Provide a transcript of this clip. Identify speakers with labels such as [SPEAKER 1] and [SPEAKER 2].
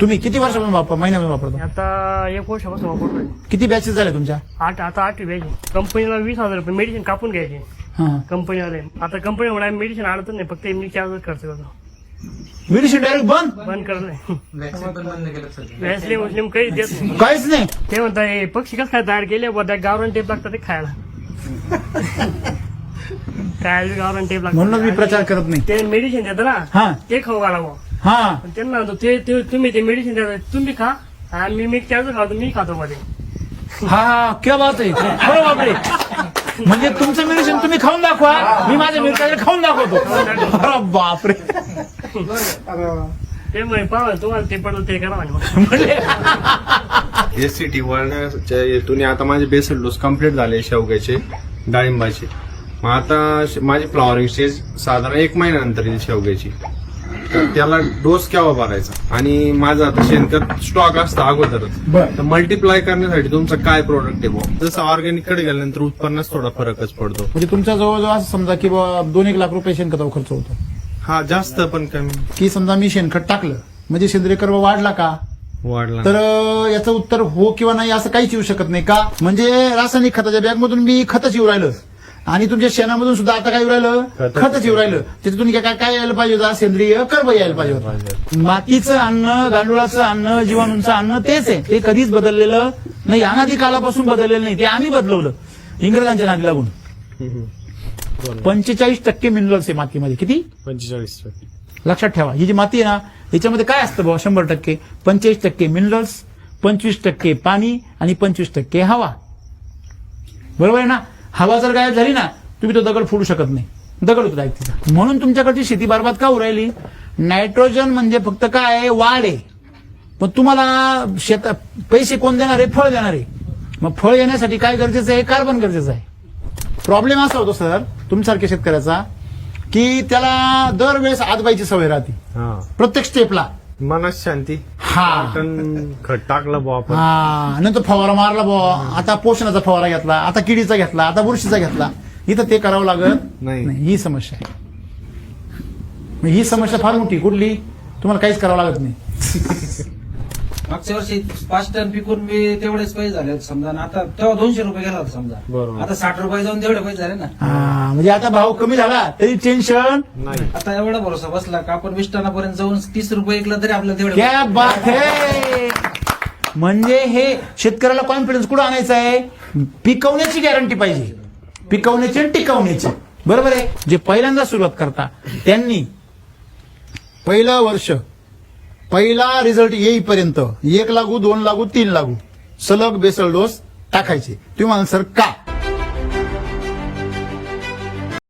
[SPEAKER 1] तुम्ही किती वर्षापासून महिन्यापासून वापरता?
[SPEAKER 2] आता 1 वर्षापासून वापरतोय.
[SPEAKER 1] किती बॅचेस झाल्या तुमच्या?
[SPEAKER 2] आता 8वी घ्यायची. कंपनीला 20,000 रुपये मेडिसिन कापून घ्यायचे
[SPEAKER 1] हा.
[SPEAKER 2] कंपनीवाले. आता कंपनीमुळे मेडिसिन आणतच नाही, फक्त एमनी चार्ज खर्च करतो.
[SPEAKER 1] मेडिसिन डायरेक्ट
[SPEAKER 2] बंद करलंय. वॅसलीन उचलीन काही देत नाही.
[SPEAKER 1] काहीच नाही.
[SPEAKER 2] ते म्हणतात हे पक्षी कसं काय तयार केले बघा, गावरान टेप लागतात ते खायला. खायला गावरान टेप लागतात.
[SPEAKER 1] म्हणून मी प्रचार करत नाही.
[SPEAKER 2] ते मेडिसिन देतं
[SPEAKER 1] हा.
[SPEAKER 2] ना, ते खाऊ घाला बुवा.
[SPEAKER 1] हा.
[SPEAKER 2] पण त्यांना म्हणतो ते तुम्ही ते मेडिसिन देता, तुम्ही खा आणि मी त्याचं खातो, मी खातो मध्ये.
[SPEAKER 1] हा क्या बात आहे. बरं बापरे. म्हणजे तुमचं मेडिसिन तुम्ही खाऊन दाखवा, मी माझ्या मित्राकडे खाऊन दाखवतो. अरे बापरे.
[SPEAKER 2] ते म्हणे पाहा तुम्हाला ते पडलं ते करा म्हणे.
[SPEAKER 3] एससीटी वळण्याच्या हेतूने आता माझे बेसल डोस कम्प्लीट झाले शेवग्याचे, डाळिंबाचे. मग आता माझी फ्लॉवरिंग स्टेज साधारण 1 महिन्यानंतर येईल शेवग्याची. तर त्याला डोस केव्हा भरायचा आणि माझा आता शेणखत स्टॉक असतं अगोदरच.
[SPEAKER 1] बरं.
[SPEAKER 3] तर मल्टिप्लाय करण्यासाठी तुमचं काय प्रोडक्ट आहे बुवा? जसं ऑर्गॅनिक कडे गेल्यानंतर उत्पन्नात थोडा फरकच पडतो.
[SPEAKER 1] म्हणजे तुमच्या जवळजवळ असं समजा की 2-1 लाख रुपये शेणखतावर खर्च होतो.
[SPEAKER 3] हा जास्त पण कमी
[SPEAKER 1] की समजा मी शेणखत टाकलं म्हणजे सेंद्रिय कर्व वाढला का?
[SPEAKER 3] वाढला.
[SPEAKER 1] तर याचं उत्तर हो किंवा नाही असं काहीच येऊ शकत नाही. का? म्हणजे रासायनिक खताच्या बॅगमधून मी खतच येऊ राहिलं आणि तुमच्या शेणामधून सुद्धा आता काय येऊ राहिलं? खतच येऊ राहिलं. त्याच्यातून काय यायला पाहिजे होतं? सेंद्रिय कर्व यायला पाहिजे होतं. मातीचं अन्न, गांडुळाचं अन्न, जीवाणूंचं अन्न तेच आहे. ते कधीच बदललेलं नाही, अनादी कालापासून बदललेलं नाही. ते आम्ही बदलवलं इंग्रजांच्या नादी लागून. 45% मिनरल्स आहे मातीमध्ये. किती?
[SPEAKER 3] 45%.
[SPEAKER 1] लक्षात ठेवा. ही जी माती आहे ना, याच्यामध्ये काय असतं बाबा? 100%. 45% मिनरल्स, 25% पाणी आणि 25% हवा. बरोबर आहे ना? हवा जर गायब झाली ना, तुम्ही तो दगड फोडू शकत नाही. दगड होतो डायरेक्ट तिचा. म्हणून तुमच्याकडची शेती बरबाद का होऊ राहिली? नायट्रोजन म्हणजे फक्त काय आहे? वाढ आहे. पण तुम्हाला पैसे कोण देणार आहे? फळ देणार आहे. मग फळ येण्यासाठी काय गरजेचं आहे? कार्बन गरजेचं आहे. प्रॉब्लेम असा होतो सर तुमच्यासारख्या शेतकऱ्याचा की त्याला दरवेळेस आजबाईची सवय राहते प्रत्येक स्टेपला.
[SPEAKER 3] मनात शांती.
[SPEAKER 1] हा.
[SPEAKER 3] खत टाकलं बुवा आपण.
[SPEAKER 1] हा. नंतर फवारा मारला बुवा, आता पोषणाचा फवारा घेतला, आता किडीचा घेतला, आता बुरशीचा घेतला. इथं ते करावं लागत
[SPEAKER 3] नाही.
[SPEAKER 1] ही समस्या आहे. ही समस्या फार मोठी. कुठली? तुम्हाला काहीच करावं लागत नाही.
[SPEAKER 4] मागच्या वर्षी 5 टन पिकून मी तेवढेच पैसे झाले समजा ना. आता तेव्हा 200 रुपये गेला होता समजा.
[SPEAKER 3] बरोबर.
[SPEAKER 4] आता 60 रुपये जाऊन तेवढे पैसे झाले ना.
[SPEAKER 1] हा. म्हणजे आता भाव कमी झाला तरी टेन्शन
[SPEAKER 3] नाही.
[SPEAKER 4] आता एवढा भरोसा बसला का आपण 20 टनापर्यंत जाऊन 30 रुपये ऐकला तरी आपल्याला तेवढे
[SPEAKER 1] क्या बात है. म्हणजे हे शेतकऱ्याला कॉन्फिडन्स कुठं आणायचा आहे? पिकवण्याची गॅरंटी पाहिजे. पिकवण्याची आणि टिकवण्याची. बरोबर आहे. जे पहिल्यांदा सुरुवात करता त्यांनी पहिलं वर्ष पहिला रिझल्ट येईपर्यंत 1 लागू 2 लागू 3 लागू सलग बेसल डोस टाकायचे. तुम्ही म्हणाल सर का?